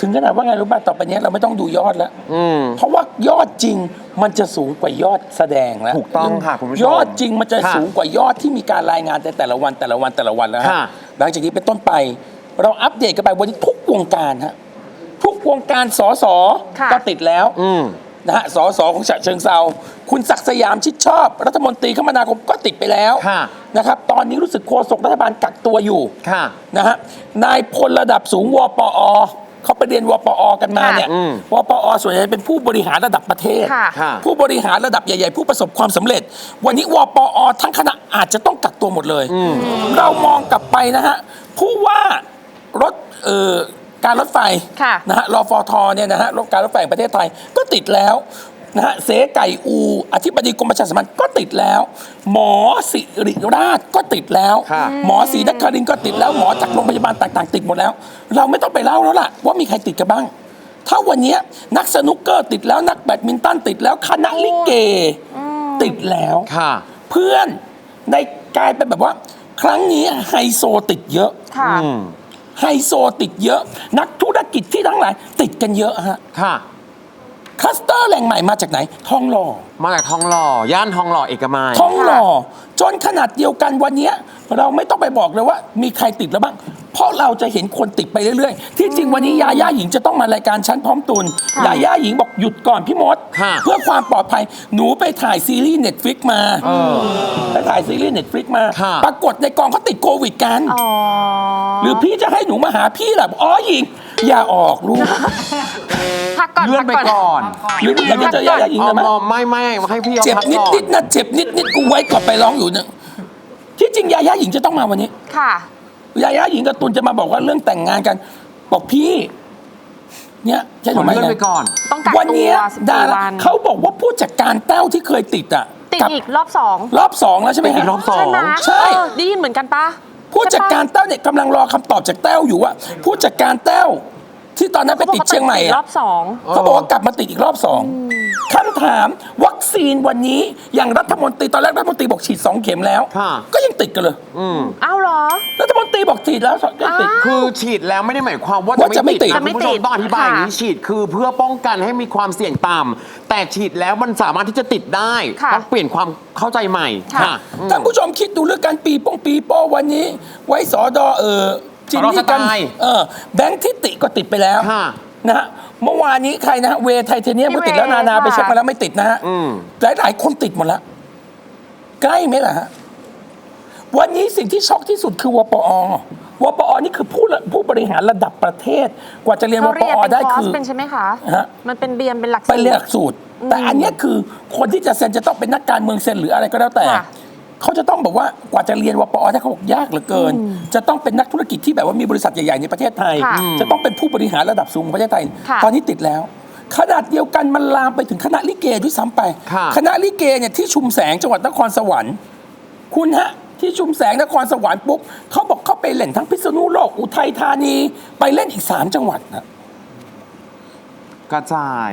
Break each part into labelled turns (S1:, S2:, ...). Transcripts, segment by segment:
S1: ถึงขนาดว่าไงรู้ป่ะต่อไปนี้เราไม่ต้องดูยอดแล้วเพราะว่ายอดจริงมันจะสูงกว่ายอดแสดงแล้ว
S2: ถูกต้องค่ะคุณผู้ชม
S1: ยอดจริงมันจะสูงกว่ายอดที่มีการรายงานแต่ละวันแล้วฮะหลังจากนี้เป็นต้นไปเราอัปเดตกันไปวันนี้ทุกวงการฮะทุกวงการสสก็ติดแล้วนะฮะสสของฉะเชิงเทราคุณศักดิ์สยามชิดชอบรัฐมนตรีคมนาคมก็ติดไปแล้วนะครับตอนนี้รู้สึกโฆษกรัฐบาลกักตัวอยู่นะฮะนายพลระดับสูงวปอเขาไปเรียนวปอกันมาเนี่ยวปอส่วนใหญ่เป็นผู้บริหารระดับประเทศผู้บริหารระดับใหญ่ๆผู้ประสบความสำเร็จวันนี้วปอทั้งคณะอาจจะต้องกักตัวหมดเลยเรามองกลับไปนะฮะผู้ว่ารถการรถไฟนะฮะรฟทเนี่ยนะฮะการรถไฟแห่งประเทศไทยก็ติดแล้วนะฮะเสไก่อูอธิบดีกรมประชาสัมพันธ์ก็ติดแล้วหมอศิริราชก็ติดแล้วหมอศรีนครินทร์ก็ติดแล้วหมอจากโรงพยาบาลต่างๆติดหมดแล้วเราไม่ต้องไปเล่าแล้วล่ะว่ามีใครติดกันบ้างถ้าวันนี้นักสนุกเกอร์ติดแล้วนักแบดมินตันติดแล้วคณะลิเกติดแล้วเพื่อนในกลายเป็นแบบว่าครั้งนี้ไฮโซติดเยอะไฮโซติดเยอะนักธุรกิจที่ทั้งหลายติดกันเยอะฮะคลัสเตอร์แหล่งใหม่มาจากไหนทองหล่อ
S2: มาจากทองหล่อย่านทองหล่อเอกมัย
S1: ทองหล่อจนขนาดเดียวกันวันนี้เราไม่ต้องไปบอกเลยว่ามีใครติดแล้วบ้างเพราะเราจะเห็นคนติดไปเรื่อยๆที่จริงวันนี้ยาย่าหญิงจะต้องมารายการชั้นพร้อมตุนยาย่าหญิงบอกหยุดก่อนพี่มดเพื่อความปลอดภัยหนูไปถ่ายซีรีส์ Netflix มาไปถ่ายซีรีส์ Netflix มาปรากฏในกองเขาติดโควิดกันหรือพี่จะให้หนูมาหาพี่ล่ะอ๋อหญิงอย่าออกลูก
S3: พักก่อน
S2: เลื่อนไปก่อน
S1: หรืออยากจะเจอยาย่าหญิงไหม
S2: ไม่ให้พี่
S1: เจ็บนิดๆนะเจ็บนิดๆกูไว้ก่อนไปร้องอยู่เนี่ยที่จริงยาย่าหญิงจะต้องมาวันนี้
S3: ค่ะ
S1: ยาย่าหญิงกับตุลจะมาบอกว่าเรื่องแต่งงานกันบอกพี่เนี่ยใช่หรือไม่
S2: ไปก่อน
S1: วันนี้ดาราเขาบอกว่าผู้จัดการแต้วที่เคยติด
S3: อีกรอบ2
S1: แล้วใช่ไหม
S2: อีกรอบ2
S3: ใช่ได้ยินเหมือนกันปะ
S1: ผู้จัดการแต้วเนี่ยกำลังรอคำตอบจากแต้วอยู่ว่าผู้จัดการแต้วที่ตอนนั้นไปติดเชียงใหม่
S3: รอบ2
S1: เขาบอกว่ากลับมาติดอีกรอบ2คำถามวัคซีนวันนี้อย่างรัฐมนตรีตอนแรกรัฐมนตรีบอกฉีด2 เข็มแล้วก็ยังติดกันเลย
S3: อ้าวเหรอ
S1: รัฐมนตรีบอกฉีดแล้วก็ติด
S2: คือฉีดแล้วไม่ได้หมายความว่าจะไม่ติดคุณผู้ชมต้องอธิบายอย่างนี้ฉีดคือเพื่อป้องกันให้มีความเสี่ยงต่ำแต่ฉีดแล้วมันสามารถที่จะติดได้ต้องเปลี่ยนความเข้าใจใหม่
S1: ท่านผู้ชมคิดดูเรื่องการปีโป้วันนี้ไว้สอดจินนี่กันแบงค์ทิติก็ติดไปแล้วนะฮะเมื่อวานนี้ใครนะเวไทเทเนียมก็ติดแล้วนาไปเช็คมาแล้วไม่ติดนะฮะหลายคนติดหมดแล้วใกล้ไหมล่ะฮะวันนี้สิ่งที่ช็อกที่สุดคือวปอนี่คือผู้บริหารระดับประเทศกว่าจะเรียนวปอได้คือ
S3: เป็นใช่ไหมคะมันเป็นเป็นหลักสูตร
S1: เป็นหลักสูตรแต่อันนี้คือคนที่จะเซ็นจะต้องเป็นนักการเมืองเซ็นหรืออะไรก็แล้วแต่เขาจะต้องบอกว่ากว่าจะเรียนวปอถ้าเขาบอกยากเหลือเกินจะต้องเป็นนักธุรกิจที่แบบว่ามีบริษัทใหญ่ๆในประเทศไทยจะต้องเป็นผู้บริหารระดับสูงของประเทศไทยตอนนี้ติดแล้วขนาดเดียวกันมันลามไปถึงคณะลิเกด้วยซ้ำไปคณะลิเกเนี่ยที่ชุมแสงจังหวัดนครสวรรค์คุณฮะที่ชุมแสงนครสวรรค์ปุ๊บเขาบอกเขาไปเล่นทั้งพิษณุโลกอุทัยธานีไปเล่นอีก3 จังหวัดนะ
S2: กระจาย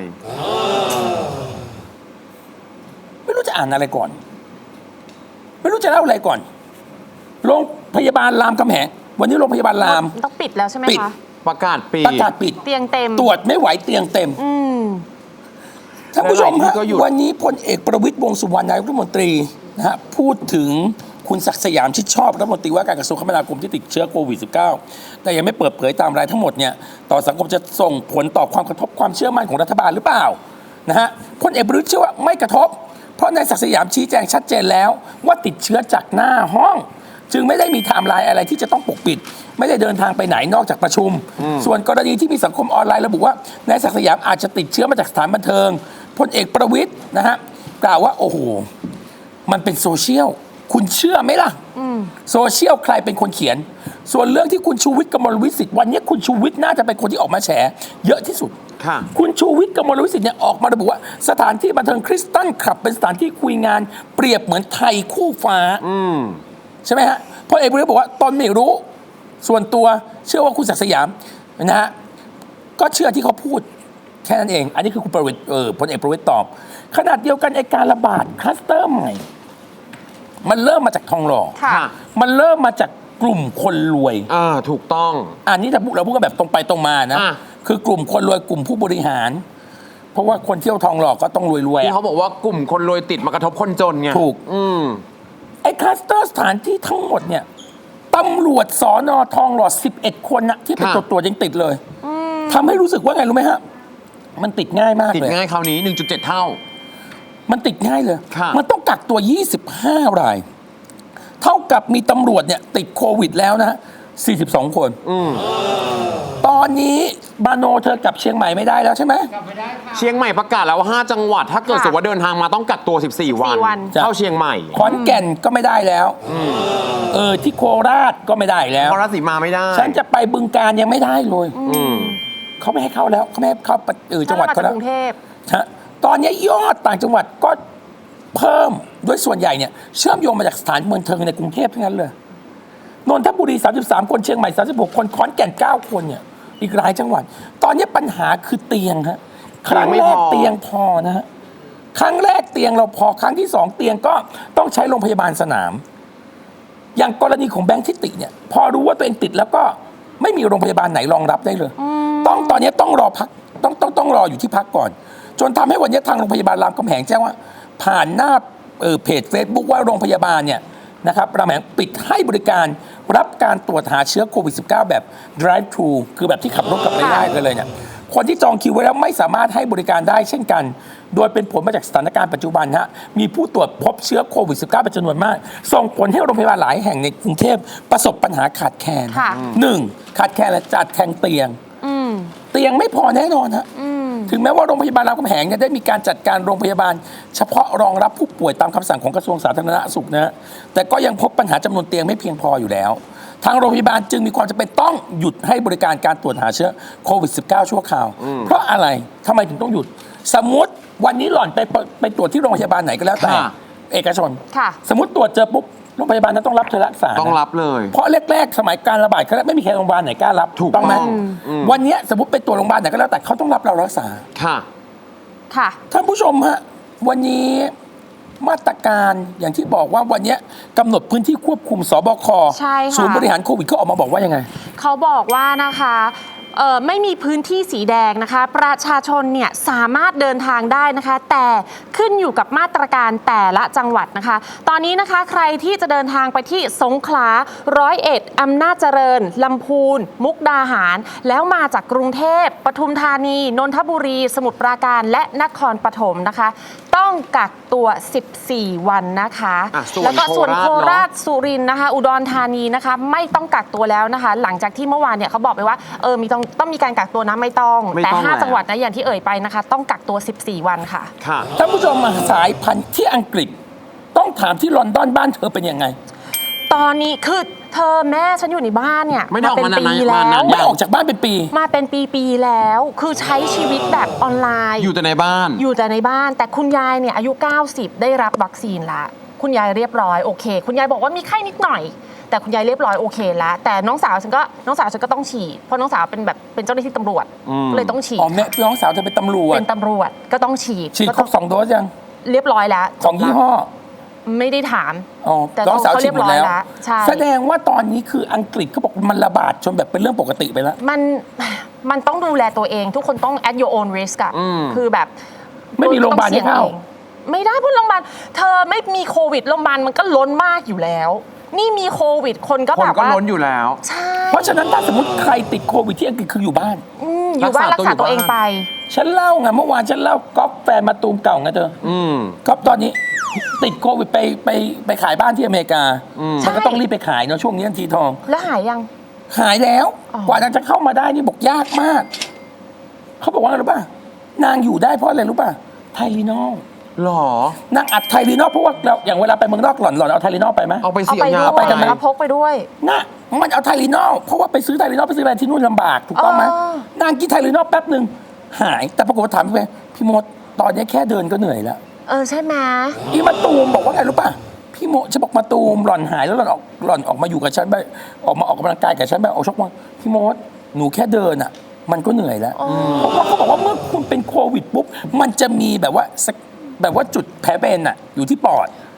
S1: ไม่รู้จะอ่านอะไรก่อนไม่รู้จะเล่าอะไรก่อนโรงพยาบาลรามคำแหงวันนี้โรงพยาบาลราม
S3: ต้องปิดแล้วใช่ไหมคะ
S2: ประกาศปิด
S3: เตียงเต็ม
S1: ตรวจไม่ไหวเตียงเต็มท่านผู้ชมฮะวันนี้พลเอกประวิตรวงษ์สุวรรณนายกรัฐมนตรีนะฮะพูดถึงคุณศักดิ์สยามชิดชอบรัฐมนตรีว่าการกระทรวงคมนาคมที่ติดเชื้อโควิด -19 แต่ยังไม่เปิดเผยตามรายทั้งหมดเนี่ยต่อสังคมจะส่งผลต่อความกระทบความเชื่อมั่นของรัฐบาลหรือเปล่านะฮะพลเอกประวิตรเชื่อว่าไม่กระทบเพราะนายศักดิ์สยามชี้แจงชัดเจนแล้วว่าติดเชื้อจากหน้าห้องจึงไม่ได้มีไทม์ไลน์อะไรที่จะต้องปกปิดไม่ได้เดินทางไปไหนนอกจากประชุมส่วนกรณีที่มีสังคมออนไลน์ระบุว่านายศักดิ์สยามอาจจะติดเชื้อมาจากสถานบันเทิงพลเอกประวิตรนะฮะกล่าวว่าโอ้โหมันเป็นโซเชียลคุณเชื่อไหมล่ะโซเชียลใครเป็นคนเขียนส่วนเรื่องที่คุณชูวิทย์กมลวิสิทธิ์วันนี้คุณชูวิทย์น่าจะเป็นคนที่ออกมาแฉเยอะที่สุดคุณชูวิทย์กมลวิสิทธิ์เนี่ยออกมาระบุว่าสถานที่บันเทิงคริสตัลคลับเป็นสถานที่คุยงานเปรียบเหมือนไทยคู่ฟ้าใช่ไหมฮะพลเอกประวิตรบอกว่าตนไม่รู้ส่วนตัวเชื่อว่าคุณศักดิ์สยามนะฮะก็เชื่อที่เขาพูดแค่นั้นเองอันนี้คือคุณประวิตรพลเอกประวิตรตอบขนาดเดียวกันไอ้การระบาดคลัสเตอร์ใหม่มันเริ่มมาจากทองหล่อมันเริ่มมาจากกลุ่มคนรวย
S2: ถูกต้อง
S1: อันนี้เราพูดกันแบบตรงไปตรงมานะคือกลุ่มคนรวยกลุ่มผู้บริหาร เพราะว่าคนเที่ยวทองหล่อก็ต้องรวยๆ
S2: ที่
S1: อะ
S2: เขาบอกว่ากลุ่มคนรวยติดมากระทบคนจนไง
S1: ถูก ไอ้คลัสเตอร์สถานที่ทั้งหมดเนี่ยตำรวจสอนอทองหล่อ11 คนนะที่ไป
S2: ค่ะ
S1: ตรวจยังติดเลยทำให้รู้สึกว่าไงรู้ไหมฮะมันติดง่ายมาก
S2: ติด
S1: เลย
S2: ง่ายคราวนี้ 1.7 เท่า
S1: มันติดง่ายเลย
S2: ค่ะ
S1: มันต้องกักตัว 25 ราย เท่ากับมีตำรวจเนี่ยติดโควิดแล้วนะฮะ42 คนตอนนี้บาโนเธอกลับเชียงใหม่ไม่ได้แล้วใช่ไหม
S2: เชียงใหม่ประกาศแล้วว่า5จังหวัด ถ้าเกิด
S3: ค่ะ
S2: สมมติว่าเดินทางมาต้องกักตัว 14 วัน
S3: วัน
S1: จ้ะ
S2: เข้าเชียงใหม่
S1: ขอนแก่นก็ไม่ได้แล้วที่โคราชก็ไม่ได้แล้ว
S2: พราะราศีมาไม่ได้
S1: ฉันจะไปบึงการยังไม่ได้เลย เขาไม่ให้เข้าแล้วเขาไม่ให้เข้าจังหวัด
S3: ถ้
S1: เขา
S3: มจ
S1: แล้
S3: ก
S1: ว
S3: กรุงเทพ
S1: ฮะตอนนี้ยอดต่างจังหวัดก็เพิ่มด้วยส่วนใหญ่เนี่ยเชื่อมโยงมาจากสถานบันเทิงในกรุงเทพทั้งนั้นเลยนนทบุรี33 คนเชียงใหม่36 คนขอนแก่น9 คนเนี่ยอีกหลายจังหวัด ตอนนี้ปัญหาคือเตียงฮะครั้งแรกเตียงพอนะฮะครั้งแรกเตียงเราพอครั้งที่2เตียงก็ต้องใช้โรงพยาบาลสนาม อย่างกรณีของแบงค์ทิติเนี่ยพอรู้ว่าตัวเองติดแล้วก็ไม่มีโรงพยาบาลไหนรองรับได้เลยตอนนี้ต้องรอพักต้องรออยู่ที่พักก่อน จนทำให้วันนี้ทางโรงพยาบาลรามคำแหงแจ้งว่า ผ่านหน้าเพจ Facebook ว่าโรงพยาบาลเนี่ยนะครับรามคำแหงปิดให้บริการรับการตรวจหาเชื้อโควิด -19 แบบ drive thru คือแบบที่ขับรถกลับไปได้กันเลยเนี่ยคนที่จองคิวไว้แล้วไม่สามารถให้บริการได้เช่นกัน โดยเป็นผลมาจากสถานการณ์ปัจจุบันฮะมีผู้ตรวจพบเชื้อโควิด -19 เป็นจำนวนมาก ส่งผลให้โรงพยาบาลหลายแห่งในกรุงเทพประสบปัญหาขาดแคลน
S3: ค่ะ
S1: 1. ขาดแคลนและจัดแข่งเตียง เตียงไม่พอแน่นอนฮะถึงแม้ว่าโรงพยาบาลรามคำแหงเนี่ยได้มีการจัดการโรงพยาบาล เฉพาะรองรับผู้ป่วยตามคำสั่งของกระทรวงสาธารณสุขนะฮะแต่ก็ยังพบปัญหาจำนวนเตียงไม่เพียงพออยู่แล้ว ทางโรงพยาบาลจึงมีความจำเป็นต้องหยุดให้บริการการตรวจหาเชื้อโควิด -19 ชั่วคราว เพราะอะไรทำไมถึงต้องหยุด สมมติวันนี้หล่อนไปตรวจที่โรงพยาบาลไหนก็แล้วแต่
S2: ค่ะ
S1: เอกชน
S3: ค่ะ
S1: สมมติตรวจเจอปุ๊บโรงพยาบาลนั้นต้องรับเธอรักษา
S2: ต้อง
S1: นะ
S2: รับเลย
S1: เพราะแรกๆ สมัยการระบาดครั้งแรกไม่มีใครโรงพยาบาลไหนกล้ารับ
S2: ถูก
S1: ต้องไหม
S2: ต้อง
S1: วันเนี้ยสมมติไปตรวจโรงพยาบาลไหนก็แล้วแต่เขาต้องรับเรารักษา
S2: ค่ะ
S3: ค่ะ
S1: ท่านผู้ชมฮะวันนี้มาตรการอย่างที่บอกว่าวันเนี้ยกำหนดพื้นที่ควบคุมสบค
S3: ใช่ค่ะ
S1: ศูนย์บริหารโควิดเขาออกมาบอกว่ายังไง
S3: เขาบอกว่านะคะไม่มีพื้นที่สีแดงนะคะ ประชาชนเนี่ยสามารถเดินทางได้นะคะ แต่ขึ้นอยู่กับมาตรการแต่ละจังหวัดนะคะ ตอนนี้นะคะใครที่จะเดินทางไปที่สงขลา101อำนาจเจริญลำพูน มุกดาหาร แล้วมาจากกรุงเทพปทุมธานีนนทบุรี สมุทรปราการและนครปฐมนะคะ ต้องกักตัว 14 วันนะคะ
S2: ส่วน
S3: แล้วก็ส่วนโค
S2: โครา
S3: รา
S2: ช
S3: ช สุรินทร์นะคะ อุดรธานีนะคะ ไม่ต้องกักตัวแล้วนะคะ หลังจากที่เมื่อวานเนี่ยเขาบอกไปว่าต้องมีการกักตัวนะไม่ต้อง
S2: ไม่
S3: แต่
S2: ต้องแล้ว
S3: 5 จังหวัดนะอย่างที่เอ่ยไปนะคะ ต้องกักตัว 14 วันค่ะ
S2: ค่ะ
S1: ท่านผู้ชมมาสายพันธุ์ที่อังกฤษ ต้องถามที่ลอนดอนบ้านเธอเป็นยังไง
S3: ตอนนี้คือเธอแม่ฉันอยู่ในบ้านเนี่ย
S2: ไม่ได้ออก
S3: เป็น
S2: มานาน
S3: ปี
S2: ๆ
S3: แล้
S2: มานาน
S3: ว
S1: ไม่ออกจากบ้านเป็นปี
S3: มาเป็นปีๆแล้ว คือใช้ชีวิตแบบออนไลน์
S2: อยู่แต่ในบ้าน
S3: อยู่แต่ในบ้าน แต่คุณยายเนี่ยอายุ 90 ได้รับวัคซีนละคุณยายเรียบร้อยโอเค คุณยายบอกว่ามีไข้นิดหน่อย แต่คุณยายเรียบร้อยโอเคแล้วแต่น้องสาวฉันก็ต้องฉีดเพราะน้องสาวเป็นเจ้าหน้าที่ตำรวจก็เลยต้องฉีด
S1: อ๋อแม่พี่น้องสาวเธอเป็นตำรวจ
S3: เป็นตำรวจก็ต้องฉีด
S1: ฉีด
S3: ก็
S1: คร
S3: ต้อบ ง
S1: 2 โดสยัง
S3: เรียบร้อยแล้ว
S1: ของยี่ห้อ
S3: ไม่ได้ถาม
S1: อ๋อ
S3: แต่
S1: น้องสาวฉีดหมดแล้ว
S3: เขาเรียบร้อยแล้วใช่
S1: แสดงว่าตอนนี้คืออังกฤษเขาบอกมันระบาดจนแบบเป็นเรื่องปกติไปแล้ว
S3: มันต้องดูแลตัวเอง ทุกคนต้อง at your own risk อะคือแบบ
S1: ไม่มีโรงพยาบาลให้เข้า
S3: ต้องสี่ยงองไม่ได้เพราะโรงพยาบาลเธอไม่มีโควิดโรงพยาบาลมันก็ล้นมากอยู่แล้ว นี่มีโควิดคนก็
S2: คน
S3: แบบ
S2: ก็
S3: ว่า
S2: ล้นอยู่แล้ว
S3: ใช่
S1: เพราะฉะนั้นถ้าสมมติใครติดโควิดที่อังกฤษคืออยู่บ้าน
S3: อยู่บ้านรักษาตัวเองไป
S1: ฉันเล่าไงเมื่อวานฉันเล่าก๊อฟแฟนมาตูมเก่าไงเธอก๊อฟตอนนี้ติดโควิดไปขายบ้านที่อเมริกามันก็ต้องรีบไปขายเนาะช่วงนี้ทีทอง
S3: แล้วหายยัง
S1: หายแล้ว
S3: อ๋อ
S1: กว่านางจะเข้ามาได้นี่บอกยากมาก เขาบอกว่าอะไรรู้ป่ะนางอยู่ได้เพราะอะไรรู้ป่ะไทลีนอล
S2: หรอ
S1: นางอัดไทลีนอลเพราะว่าเราอย่างเวลาไปเมืองนอกหล่อนเอาไทลีนอลไปไหม
S2: เอาไป
S3: เอา
S2: เสีย
S3: ไป
S2: ยา
S3: ด้วย
S1: ไปกันไหม
S3: เอาพกไปด้วย
S1: น่ะมันเอาไทลีนอลเพราะว่าไปซื้อไทลีนอลไปซื้ออะไรที่นู่นลำบากถูกต้องไหม
S3: อ๋อ
S1: นางกินไทลีนอลแป๊บหนึ่งหายแต่ปรากฏว่าถามพี่มดตอนนี้แค่เดินก็เหนื่อยแล้ว
S3: ใช่ไหม
S1: อีมาตูมบอกว่าไงรู้ป่ะพี่โมฉันบอกมาตูมหล่อนหายแล้วหล่อนออกมาอยู่กับฉันไปออกมาออกกำลังกายกับฉันไปออกชกมาพี่โมดหนูแค่เดินอ่ะ มันก็เหนื่อยแล้วเพราะว่าเขาบอกว่าเมื่อคุณเป็นโควิดปุ๊บมันจะมีแบบว่าจุดแผลเป็นอ่ะอยู่ที่ปอด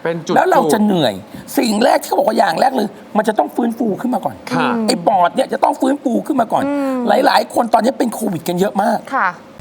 S2: เป็นจุด
S1: แล้วเราจะเหนื่อย สิ่งแรกที่เขาบอกว่าอย่างแรกเลย มันจะต้องฟื้นฟูขึ้นมาก่อน
S2: ค่ะ
S1: ไอ้ปอดเนี่ยจะต้องฟื้นฟูขึ้นมาก่อน หลายๆ คนตอนนี้เป็นโควิดกันเยอะมาก
S3: ค่ะ